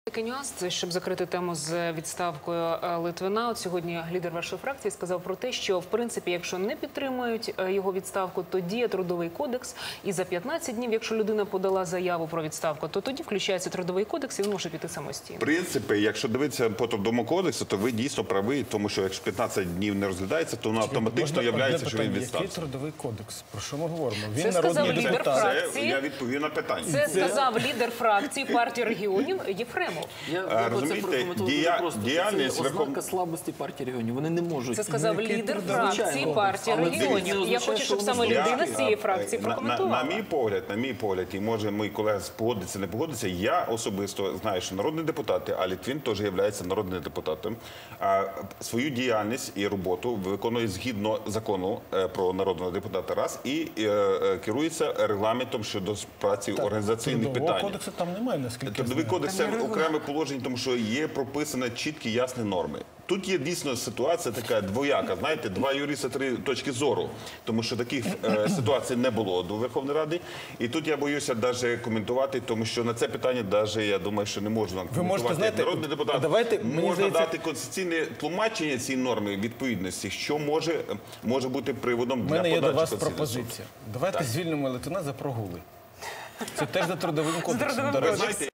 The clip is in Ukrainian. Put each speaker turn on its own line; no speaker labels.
Такий нюанс, це щоб закрити тему з відставкою Литвина. От сьогодні лідер вашої фракції сказав про те, що в принципі, якщо не підтримують його відставку, то діє Трудовий кодекс. І за 15 днів, якщо людина подала заяву про відставку, то тоді включається Трудовий кодекс і він може піти самостійно.
В принципі, якщо дивитися по Трудовому кодексу, то ви дійсно праві, тому що якщо 15 днів не розглядається, то воно автоматично являється, що він відстався.
Який Трудовий кодекс? Про що ми говоримо?
Він народний депутат.
Я відповів на питання.
Це сказав лідер фракції партії регіонів Єфремов.
Розумієте, діяльність
ознака слабості партії регіонів. Вони не можуть.
Це сказав лідер фракції партії регіонів. Я хочу, щоб саме людина з цієї фракції прокоментувала.
На мій погляд, і може мій колега погодиться, не погодиться, я особисто знаю, що народні депутати, а Литвин теж є народним депутатом, свою діяльність і роботу виконує згідно закону про народного депутата раз і керується регламентом щодо праці організаційних питань.
Трудового кодексу там немає, наскільки
Трудовий кодекс – це окреме положення, тому що є прописані чіткі, ясні норми. Тут є дійсно ситуація така двояка, знаєте, два юриста, три точки зору, тому що таких ситуацій не було до Верховної Ради. І тут я боюся навіть коментувати, тому що на це питання навіть, я думаю, що не можна коментувати. Як народний депутат можна дати конституційне тлумачення цієї норми відповідності, що може бути приводом для подачі.
У мене є до вас пропозиція. Давайте звільнимо Литвина за прогули. Це теж за Трудовим кодексом.